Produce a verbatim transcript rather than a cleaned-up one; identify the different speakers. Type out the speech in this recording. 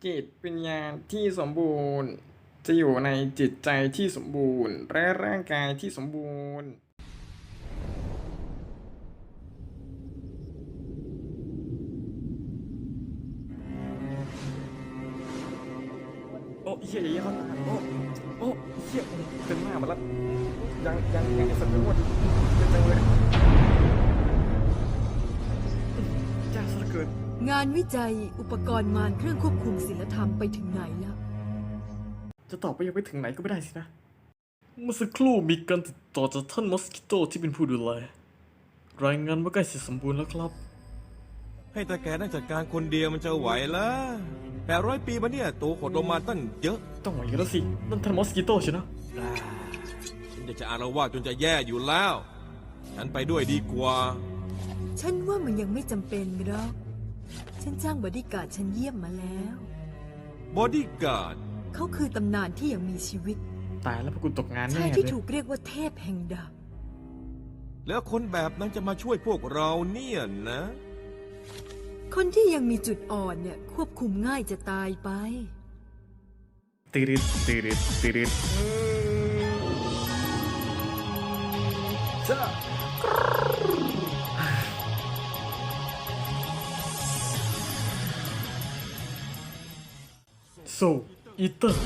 Speaker 1: จิตวิญญาณที่สมบูรณ์จะอยู่ในจิตใจที่สมบูรณ์และร่างกายที่สมบูรณ์โอ้เฮียอย่างนี้เขาตายโอ้โอ้เฮียเต็มหน้ามาแล้วยังยังยังไอ้สัตว์ไม่หมดเต็มเลยจ้าสะเกิด
Speaker 2: งานวิจัยอุปกรณ์มารเครื่องควบคุมศีลธรรมไปถึงไหนแล้ว
Speaker 1: จะตอบไปยังไปถึงไหนก็ไม่ได้สินะเมื่อสักครู่มีการติดต่อจากท่านมอสกิโตที่เป็นผู้ดูแลรายงานว่าใกล้เสร็จสมบูรณ์แล้วครับ
Speaker 3: ให้ตาแกนั่งจัดการคนเดียวมันจะไหวละแปดร้อยปีมาเนี่ยตัวขดลงมาตั้งเยอะ
Speaker 1: ต้องไหวอยู่แล้วสินั่นท่านมอสกิโตใช่ไหม
Speaker 3: ฉันจะจะอารวาสจนจะแย่อยู่แล้ว ฉันไปด้วยดีกว่า
Speaker 2: ฉันว่ามันยังไม่จำเป็นหรอกฉันจ้างบอดี้การ์ดฉันเยี่ยมมาแล้ว
Speaker 3: บอดี้การ์ด
Speaker 2: เขาคือตำนานที่ยังมีชีวิต
Speaker 1: ตายแล้วพวกคุณตกงานแน่
Speaker 2: ชาย
Speaker 1: เลย
Speaker 2: ที่ถูกเรียกว่าเทพแห่งดาบ
Speaker 3: แล้วคนแบบนั้นจะมาช่วยพวกเราเนี่ยนะ
Speaker 2: คนที่ยังมีจุดอ่อนเนี่ยควบคุมง่ายจะตายไป
Speaker 1: ติริดติริดติริดจ้าโซอีเตอร์